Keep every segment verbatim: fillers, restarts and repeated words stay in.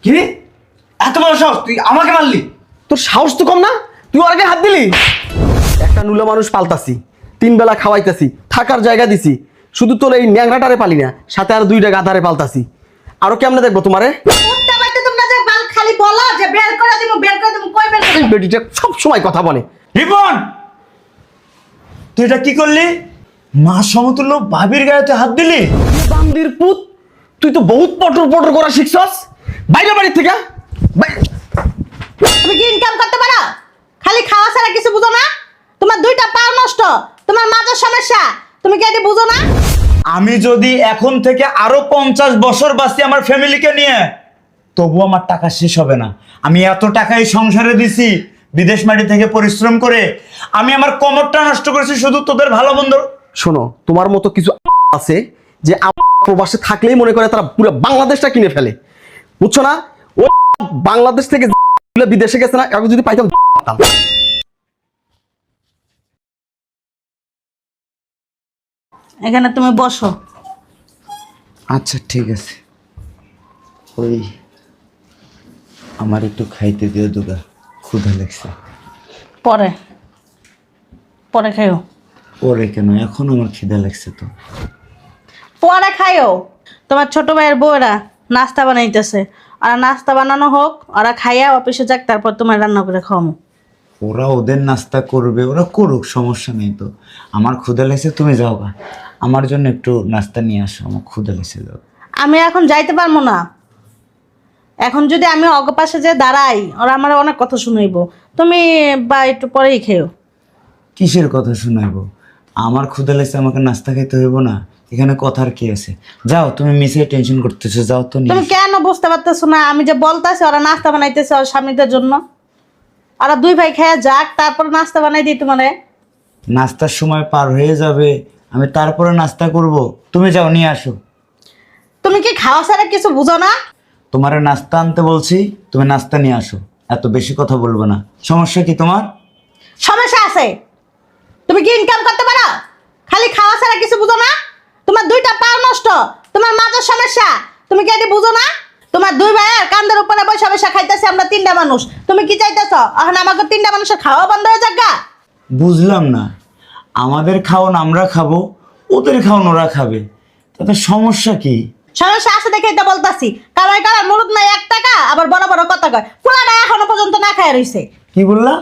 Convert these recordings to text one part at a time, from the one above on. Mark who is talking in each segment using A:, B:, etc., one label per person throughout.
A: কি এত বড় সাহস, তুই আমাকে মারলি?
B: তোর সাহস তো কম না, তুই ওর আগে হাত দিলি। একটা নুলা মানুষ পালতাছি, তিন বেলা খাওয়াইতাছি, থাকার জায়গা দিছি, শুধু তোর এই ন্যাংরাটারে পালি না, সাথে আর দুইটা গাধারে পালতাছি। আরো কেমনে দেখবো তোমারে?
C: উঠতে পারতে তোমরা যে বাল খালি বলো যে বের করে দিমু বের করে দিমু, কই বের করে
B: এই বেটিটা সব সময় কথা বলে।
A: রিপন, তুই এটা কি করলি? মা সমতুল্য ভাবির গায়ে তুই হাত দিলি?
B: বান্দির পুত, তুই তো বহুত পটর পটর করা শিখছস। বাইরে বাড়ির থেকে বাই-
C: তুমি কি ইনকাম করতে পারো? খালি খাওয়া ছাড়া কিছু বুঝো না? তোমার দুইটা পা নষ্ট, তোমার মাথার সমস্যা, তুমি কি এটা বুঝো না?
A: আমি যদি এখন থেকে আরো পঞ্চাশ বছর বাঁচি আমার ফ্যামিলিকে নিয়ে, তবু আমার টাকা শেষ হবে না। আমি এত টাকাই সংসারে দিছি, বিদেশ মাটি থেকে পরিশ্রম করে আমি আমার কমরটা নষ্ট করেছি শুধু তোদের ভালো মন্দ।
B: শোনো, তোমার মতো কিছু আছে যে প্রবাসে থাকলেই মনে করে তারা পুরো বাংলাদেশটা কিনে ফেলে, বুঝছো না? ও বাংলাদেশ থেকে বিদেশে গেছে না, এখন যদি পাইতাম।
C: এখানে তুমি বসো।
A: আচ্ছা ঠিক আছে, ওই আমার একটু খাইতে দিও দুগা, ক্ষুধা লাগছে।
C: পরে পরে খাইও।
A: ওরে কেন, এখন আমার খিদা লাগছে তো।
C: পরে খাইও। তোমার ছোট ভাইয়ের বউরা নাস্তা বানাইতেছে, আর নাস্তা বানানো হোক, ওরা খাইয়া অফিসে যাক, তারপর তোমার রান্না করে খাওয়ামো।
A: ওরা ওদের নাস্তা করবে, ওরা করুক, সমস্যা নেই তো। আমার ক্ষুধা লাগছে, তুমি যাও গা, আমার জন্য একটু নাস্তা নিয়ে আসো, আমার ক্ষুধা লাগছে। যাও।
C: আমি এখন যাইতে পারবো না। এখন যদি আমি অগপাশে যে দাঁড়াই, ওরা আমার অনেক কথা শুনাইব। তুমি বা একটু পরেই খেও।
A: কিসের কথা শোনাবো? আমার ক্ষুধা লাগছে, আমাকে নাস্তা খাইতে হইব না? এখানে কথার কি আছে? যাও, তুমি মিশে টেনশন করতেছো, যাও তো।
C: তুমি কেন বুঝতে পারতেছো না? আমি যে বলতেছি ওরা নাস্তা বানাইতেছে ওর স্বামীদের জন্য, ওরা দুই ভাই খেয়ে যাক, তারপর নাস্তা বানাই দিই তোমারে।
A: নাস্তার সময় পার হয়ে যাবে, আমি তারপরে নাস্তা করব। তুমি যাও, নিয়ে আসো।
C: তুমি কি খাওয়া ছাড়া কিছু বুঝো না?
A: তোমারে নাস্তা আনতে বলছি, তুমি নাস্তা নিয়ে আসো। এত বেশি কথা বলবো না। সমস্যা কি তোমার?
C: সমস্যা আছে। তুমি কি ইনকাম করতে পারো? খালি খাওয়া ছাড়া কিছু বুঝো না? তোমার দুইটা পা নষ্ট, তোমার মাথার সমস্যা, তুমি কি এটা বুঝো না? তোমার দুই ভাইয়ের কান্দের উপরে বসে বসে খাইতেছে আমরা তিনটা মানুষ। তুমি কি চাইতেছ এখন আমাকে তিনটা মানুষের খাওয়া বন্ধ হয়ে যাক গা?
A: বুঝলাম না। আমাদের খাওয়ান আমরা খাবো, ওদের খাওয়ান ওরা খাবে, তাতে সমস্যা কি?
C: সমস্যা আছে দেখে এটা বলতাছি। কারণ কারণ মুরুদ নাই এক টাকা, আবার বড় বড় কথা কয়। পোলাটা এখনো পর্যন্ত না খায় রইছে।
A: কি বললা?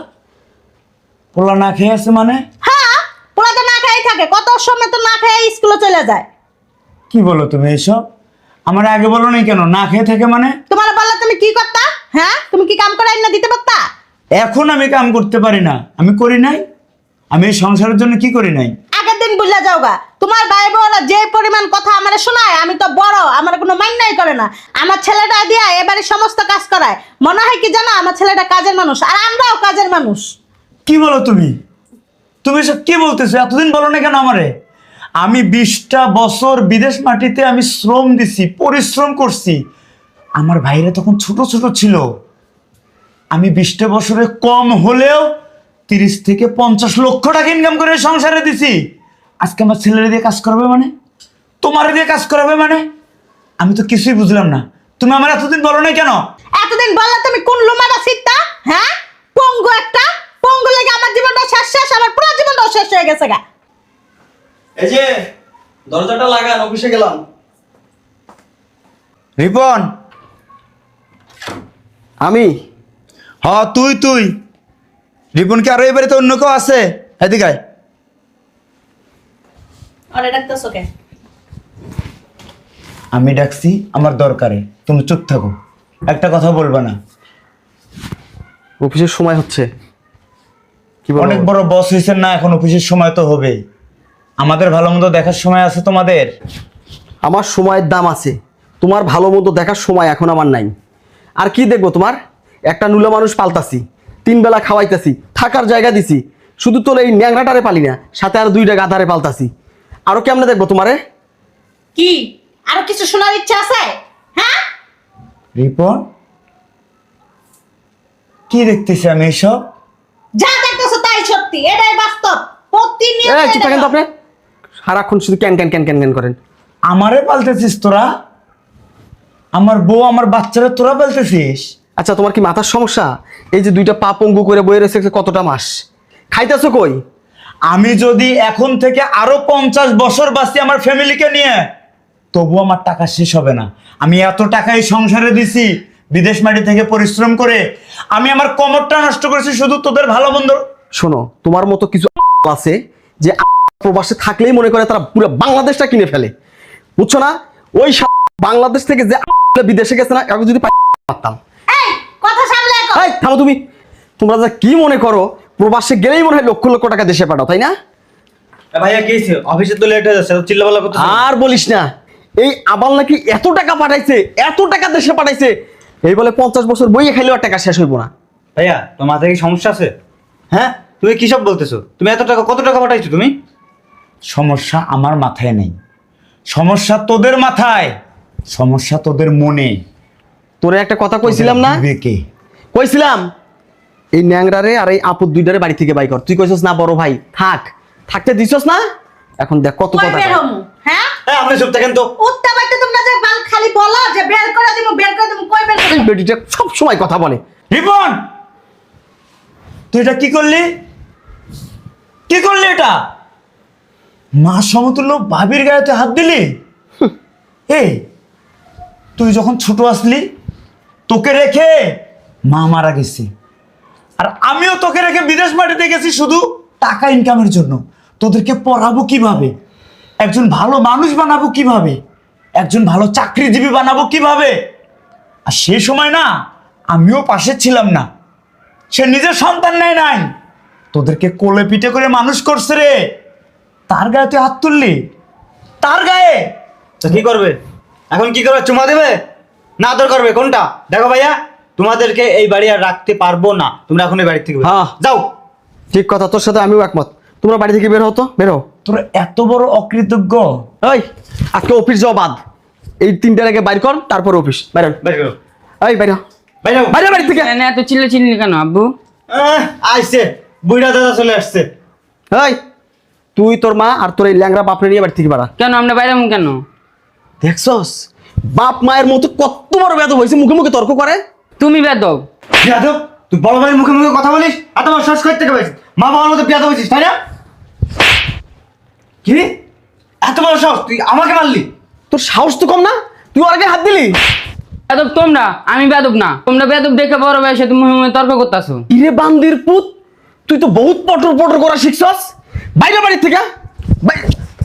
A: পোলা না খেয়ে আছে মানে?
C: হ্যাঁ, পোলা তো না খাই থাকে, কত সময় তো না খাই স্কুলে চলে যায়।
A: কি বলো তুমি এসব? আমার আগে বলো নাই কেন? না খেয়ে থাকে মানে?
C: তোমার বললে তুমি কি করতা? হ্যাঁ, তুমি কি কাম করে না দিতে পারতা?
A: এখন আমি কাম করতে পারি না, আমি করি নাই। আমি এই সংসারের জন্য কি করি নাই?
C: আগের দিন বুঝলা যাও গা, তোমার ভাই বোনরা যে পরিমাণ কথা আমারে শোনায়, আমি তো বড়, আমার কোনো মাইন্যাই করে না। আমার ছেলেটা দিয়া এবারে সমস্ত কাজ করায়। মনে হয় কি জানো, আমার ছেলেটা কাজের মানুষ, আর আমরাও কাজের মানুষ।
A: কি বলো তুমি? তুমি সব কি বলতেছো? এতদিন বলো না কেন আমারে? আমি বিশটা বছর বিদেশ মাটিতে আমি শ্রম দিছি, পরিশ্রম করছি। আমার ভাইরা তখন ছোট ছোট ছিল। আমি বিশটা বছরে কম হলেও তিরিশ থেকে পঞ্চাশ লক্ষ টাকা ইনকাম করে সংসারে দিছি। আজকে আমার ছেলেরা দিয়ে কাজ করাবে মানে? তোমার দিয়ে কাজ করাবে মানে? আমি তো কিছুই বুঝলাম না। তুমি আমার এতদিন বলো না কেন?
C: এতদিন বললে তুমি কোন লোমারা সিটটা? হ্যাঁ, পঙ্গু একটা। পঙ্গু লেগে আমার জীবনটা শেষ শেষ, আমার পুরো জীবনটাও শেষ হয়ে গেছে গা।
B: এই যে দরজাটা লাগান, অফিসে গেলাম।
A: রিপন।
B: আমি
A: হ, তুই তুই রিপন কি আরো এবারে তো অন্য কেউ আছে? এদিকে আয়।
C: আরে ডাকতেছো কে?
A: আমি ডাকছি আমার দরকারে, তুমি চুপ থাকো, একটা কথা বলবা না।
B: অফিসের সময় হচ্ছে। কি বলো?
A: অনেক বড় বস হয়েছেন না, এখন অফিসের সময় তো হবে। আমাদের ভালো মন্দ দেখার সময় আছে তোমাদের?
B: আমার সময়ের দাম আছে, তোমার ভালো মতো দেখার সময় এখন আমার নাই। আর কি দেখবো তোমার? একটা নুলা মানুষ পালতাছি, তিন বেলা খাওয়াইতাছি, থাকার জায়গা দিছি, শুধু তোর এই ন্যাংরাটারে পালি না, সাথে আর দুইটা গাধারে পালতাছি। আরো কেমনে দেখবো তোমারে?
C: কি আরো কিছু শোনার ইচ্ছা আছে? হ্যাঁ,
A: রিপন, কি দেখতেছি আমি এসব?
C: যা দেখতেছো তাই সত্যি, এটাই বাস্তব। প্রতিনিয়ত
B: এই চুপ থাকেন তো আপনি, সারাক্ষণ শুধু ক্যান ক্যান ক্যান ক্যান ক্যান করেন।
A: আমারে পাল্টেছিস তোরা? আমার বউ আমার বাচ্চারা তোরা বলতেছিস?
B: আচ্ছা তোমার কি মাথার সমস্যা? এই যে দুইটা পা পঙ্গু করে বয়ে রয়েছে কতটা মাস, খাইতেছো কই?
A: আমি যদি এখন থেকে আরো পঞ্চাশ বছর বাঁচি আমার ফ্যামিলিকে নিয়ে, তবু আমার টাকা শেষ হবে না। আমি এত টাকা এই সংসারে দিছি বিদেশ মাটি থেকে পরিশ্রম করে। আমি আমার কমরটা নষ্ট করেছি শুধু তোদের ভালো মন্দ।
B: শোনো, তোমার মতো কিছু আছে যে প্রবাসে থাকলেই মনে করে তারা পুরো বাংলাদেশটা কিনে ফেলে, বুঝছো না? ওই বাংলাদেশ থেকে যে বিদেশে গেছে না, এখন যদি পারতাম।
C: এই কথা সামলে কও।
B: এই থামো তুমি। তোমরা যা কি মনে করো প্রবাসে গেলেই মনে হয় লক্ষ লক্ষ টাকা দেশে পাঠাও, তাই না?
D: ভাইয়া কি হয়েছে? অফিসে তো লেট হয়ে যাচ্ছে, চিল্লাপাল্লা করতে।
B: আর বলিস না, এই আবাল নাকি এত টাকা পাঠাইছে, এত টাকা দেশে পাঠাইছে, এই বলে পঞ্চাশ বছর বইয়ে খাইলেও আর টাকা শেষ হইব না।
D: ভাইয়া তোমার মাথায় কি সমস্যা আছে? হ্যাঁ, তুমি কি সব বলতেছো? তুমি এত টাকা, কত টাকা পাঠাইছো তুমি?
A: সমস্যা আমার মাথায় নেই, সমস্যা তোদের মাথায়, সমস্যা তোদের মনে।
B: তোরে একটা কথা কইছিলাম না?
A: বিবেকে।
B: কইছিলাম এই ন্যাংরারে আর এই আপুর দুইটারে বাড়ি থেকে বাই কর। তুই কইছস না বড় ভাই থাক, থাকতে দিছস না? এখন দেখ কত
C: কই
B: কথা
C: বের
B: কয়।
C: হমু? হ্যাঁ,
D: হ্যাঁ, আপনি চুপ থাকেন তো।
C: উঠতে বাইতে তোমরা যে বাল খালি বলো যে বের করে দিমু, বের করে দিমু, কই বের করে
B: এই
C: দিমু?
B: বেটিটা সব সময় কথা বলে।
A: রিপন, তুই এটা কি করলি? কি করলি এটা? মা সমতুল্য ভাবির গায়ে তুই হাত দিলি? এই তুই যখন ছোট আসলি তোকে রেখে মা মারা গেছে, আর আমিও তোকে রেখে বিদেশ মাটিতে গেছি শুধু টাকা ইনকামের জন্য। তোদেরকে পড়াবো কিভাবে, একজন ভালো মানুষ বানাবো কিভাবে, একজন ভালো চাকরিজীবী বানাবো কিভাবে। আর সেই সময় না আমিও পাশে ছিলাম না, সে নিজের সন্তান নেয় নাই, তোদেরকে কোলে পিঠে করে মানুষ করছে রে। তার গায়ে তুই হাত তুললি, তার গায়ে।
D: তো কি করবে এখন? কি করবে? চুমা দেবে না আদর করবে? কোনটা? দেখো ভাইয়া, তোমাদেরকে এই বাড়ি আর রাখতে পারবো না। তোমরা এখন এই বাড়ি থেকে বের হও।
B: হ্যাঁ।
D: যাও।
B: ঠিক কথা, তোর সাথে আমিও একমত। তোমরা বাড়ি থেকে বের হতো, বের হও।
A: তোর এত বড় অকৃতজ্ঞ।
B: এই আজকে অফিস যাও বাদ, এই তিনটার আগে বাইর কর, তারপর অফিস বাইর হন।
D: বের করো।
B: এই বাইর হ।
D: বাইরে যাও।
B: বাইরে বাড়ি থেকে।
E: এত চিল্লা চিল্লি কেন আব্বু?
D: আহ, আইছে বুইড়া দাদা চলে আসছে।
B: এই তুই তোর মা আর তোর এই ল্যাংরা বাপরে নিয়ে বাড়ি থেকে বাড়া।
E: কেন আমরা বাইরে যাবো কেন?
B: দেখছস বাপ মায়ের মতো কত বড় বেদ হয়েছে, মুখে মুখে তর্ক করে।
E: তুমি বেদব।
D: বিয়াদব, তুই বড় ভাইয়ের মুখে মুখে কথা বলিস আর তোমার শ্বাস করতে থেকে পাইছিস। মা বাবার মতো বিয়াদব হয়েছিস, তাই না? কি এত বড় সাহস, তুই আমাকে মারলি?
B: তোর সাহস তো কম না, তুই ওর আগে হাত দিলি।
E: বেদব তোমরা, আমি বেদব না। তোমরা বেদব দেখে বড় বয়সে তুমি মুখে মুখে তর্ক করতেছো।
B: ইরে বান্দির পুত, তুই তো বহুত পটর পটর করা শিখছস। বাইরে বাড়ি থেকে বাই-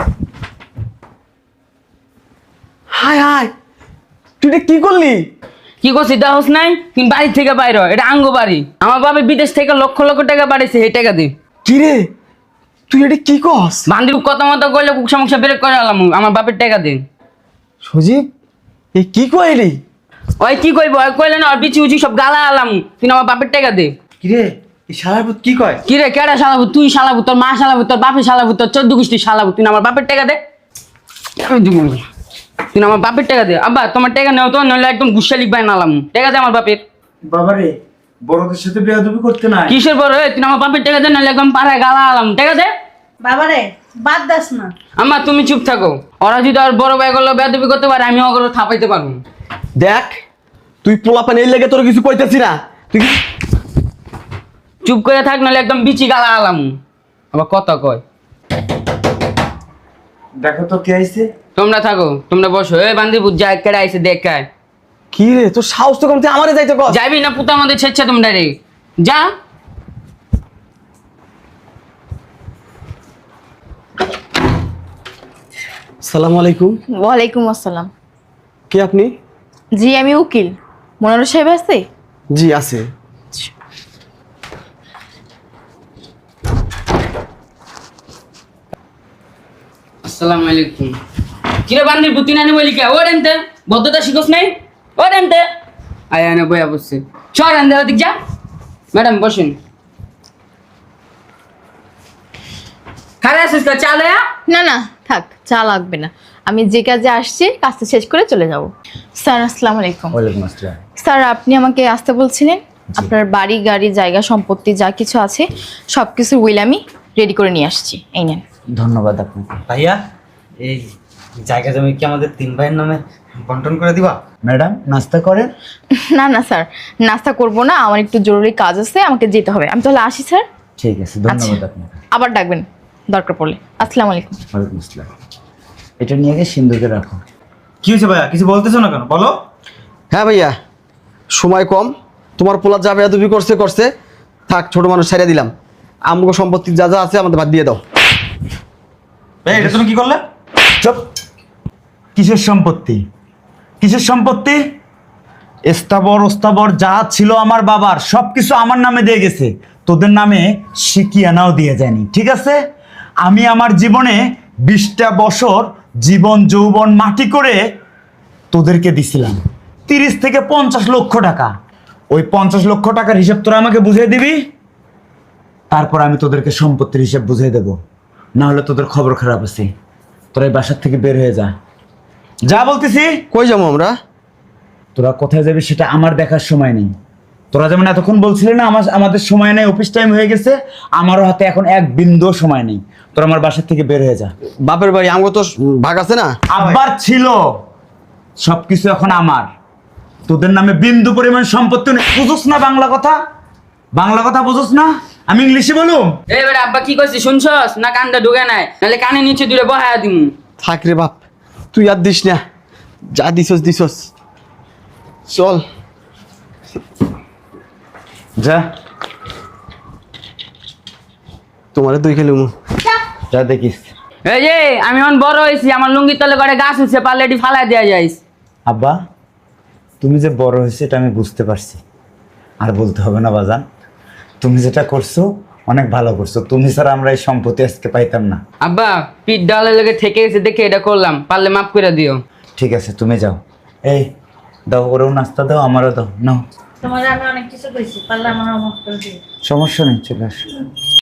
B: হায় হায়, তুই এটা কি করলি?
E: কি করছি দাহস নাই? তুমি বাড়ি থেকে বাইরে হ। এটা আঙ্গ বাড়ি। আমার বাবা বিদেশ থেকে লক্ষ লক্ষ টাকা পাঠাইছে, এই টাকা দি।
B: কি রে তুই এটা কি কস?
E: বান্দির কথা মতো করলে কুক সমস্যা বের করে আলাম, আমার বাপের টাকা দিন।
B: সজীব এই কি কইলি?
E: ওই কি কইব? ওই কইলে না, আর বিচি উচি সব গালা আলাম। তুই আমার বাপের টাকা দে।
D: কি রে, এই শালার পুত কি কয়?
E: কি রে, কেডা শালাবু? তুই শালাবু, তোর মা শালাবু, তোর বাপে শালাবু, তোর চোদ্দ গোষ্ঠী শালাবু। তুই আমার বাপের টাকা দে। আমি দিব না। তুই আমার বাপের টাকা দে। আব্বা তোমার টাকা নেও তো, নইলে একদম গুসা লিখবাই নালাম। টাকা দে আমার বাপের।
A: বাবারে, বড়দের সাথে বেয়াদবি করতে নাই।
E: কিসের বড়? তুই আমার বাপের টাকা দে, নইলে একদম পাড়ায় গালা আলাম। টাকা দে।
C: বাবারে বাদ দাস না।
E: আম্মা তুমি চুপ থাকো। ওরা যদি আর বড় ভাই গুলো বেয়াদবি করতে পারে, আমি ওগুলো থাপাইতে পারবো।
B: দেখ তুই পোলাপান এই লেগে তোর কিছু কইতেছি না, তুই কি-
E: চুপ করে থাক, নইলে একদম বিচি গালা আলাম। আবার কথা কয়।
A: দেখো তো কে আইছে।
E: তোমরা থাকো, তোমরা বসো। এই বান্দিপুর যা কেডা আইছে দেখ কায়।
B: কি রে তোর সাহস তো কম, তুই আমারে যাইতে কস।
E: যাইবি না পুতা আমাদের ছেচ্ছা তোমরা রে। যা।
B: আসসালামু আলাইকুম।
F: ওয়ালাইকুম আসসালাম।
B: কে আপনি?
F: জি আমি উকিল। মনোর সাহেব আছে?
B: জি আছে।
E: আসসালামু আলাইকুম। কিরে বান্দির পুতি নানি বলি কে? ও রেনতে বদ্ধতা শিখোস নাই? ও রেনতে আয়া না বয়া বসছে। চল রেনতে ওদিক যা। ম্যাডাম বসেন। খারাপ আছিস তো? চা দেয়া?
F: না না থাক, চা লাগবে না। আমি যে কাজে আসছি কাজটা শেষ করে চলে যাব। স্যার আসসালামু আলাইকুম।
A: ওয়ালাইকুম আসসালাম।
F: স্যার আপনি আমাকে আসতে বলছিলেন? আপনার বাড়ি গাড়ি জায়গা সম্পত্তি যা কিছু আছে সব কিছু উইল আমি রেডি করে নিয়ে আসছি, এই নেন।
A: ধন্যবাদ আপনাকে।
D: ভাইয়া এই জায়গা জমি কি আমাদের তিন ভাইয়ের নামে বন্টন করে দিবা?
A: ম্যাডাম নাস্তা করেন।
F: না না স্যার, নাস্তা করব না, আমার একটু জরুরি কাজ আছে, আমাকে যেতে হবে। আমি তাহলে আসি স্যার।
A: ঠিক আছে, ধন্যবাদ আপনাকে।
F: আবার ডাকবেন দরকার পড়লে। আসসালামু আলাইকুম।
A: ওয়ালাইকুম আসসালাম। এটা নিয়ে গিয়ে সিন্ধুকে রাখো।
D: কি হয়েছে ভাইয়া, কিছু বলতেছো না কেন, বলো।
B: হ্যাঁ ভাইয়া, সময় কম, তোমার পোলা যা বেয়াদবি করছে করছে, থাক ছোট মানুষ ছেড়ে দিলাম। আমগো সম্পত্তি যা যা আছে আমাদের বাদ দিয়ে দাও।
D: ভাই এটা তুমি কি করলে?
A: চুপ। কিসের সম্পত্তি? কিসের সম্পত্তি? স্থাবর ওস্তাবর যা ছিল আমার বাবার সব কিছু আমার নামে দিয়ে গেছে, তোদের নামে শিকিয়ানাও দিয়ে যায়নি, ঠিক আছে? আমি আমার জীবনে বিশটা বছর জীবন যৌবন মাটি করে তোদেরকে দিছিলাম তিরিশ থেকে পঞ্চাশ লক্ষ টাকা। ওই পঞ্চাশ লক্ষ টাকার হিসাব তোরা আমাকে বুঝিয়ে দিবি, তারপর আমি তোদেরকে সম্পত্তির হিসাব বুঝিয়ে দেব। না হলে তোদের খবর খারাপ আছে। তোরা এই বাসার থেকে বের হয়ে যা, যা বলতেছি।
B: কই যাবো আমরা?
A: তোরা কোথায় যাবি সেটা আমার দেখার সময় নেই। তোরা যেমন এতক্ষণ বলছিলি না আমার আমাদের সময় নেই, অফিস টাইম হয়ে গেছে, আমারও হাতে এখন এক বিন্দুও সময় নেই। তোরা আমার বাসার থেকে বের হয়ে যা।
B: বাপের বাড়ি আমগো তো ভাগ আছে না?
A: আব্বার ছিল, সবকিছু এখন আমার। তোদের নামে বিন্দু পরিমাণ সম্পত্তি নেই। বুঝোস না বাংলা কথা? বাংলা কথা বুঝোস না? আমি ইংলিশে বলুম?
E: এবার আব্বা কি করছিস শুনছস না? কানটা ঢুকে নাই, নাহলে কানে নিচে দূরে বহায়া দিমু।
B: থাক রে বাপ, তুই আর দিস না, যা দিছস দিছস। চল
A: যা,
B: তোমারে দুই খেলুম।
A: যা দেখিস।
E: এই যে আমি এখন বড় হয়েছি, আমার লুঙ্গির তলে করে গাছ হচ্ছে, পারলে এটি ফালাই দেওয়া যাইস।
A: আব্বা, তুমি যে বড় হয়েছে এটা আমি বুঝতে পারছি, আর বলতে হবে না বাজান। তুমি যেটা করছো অনেক ভালো করছো, তুমি ছাড়া আমরা এই সম্পত্তি আজকে পাইতাম না।
E: আব্বা পিঠ ডালের লেগে থেকে গেছে দেখে এটা করলাম, পারলে মাফ করে দিও।
A: ঠিক আছে, তুমি যাও। এই দাও, ওরেও নাস্তা দাও, আমারও দাও। নাও,
C: তোমার আমি অনেক কিছু কইছি, পারলে আমার মাফ করে দিও।
A: সমস্যা নেই, চলে আসো।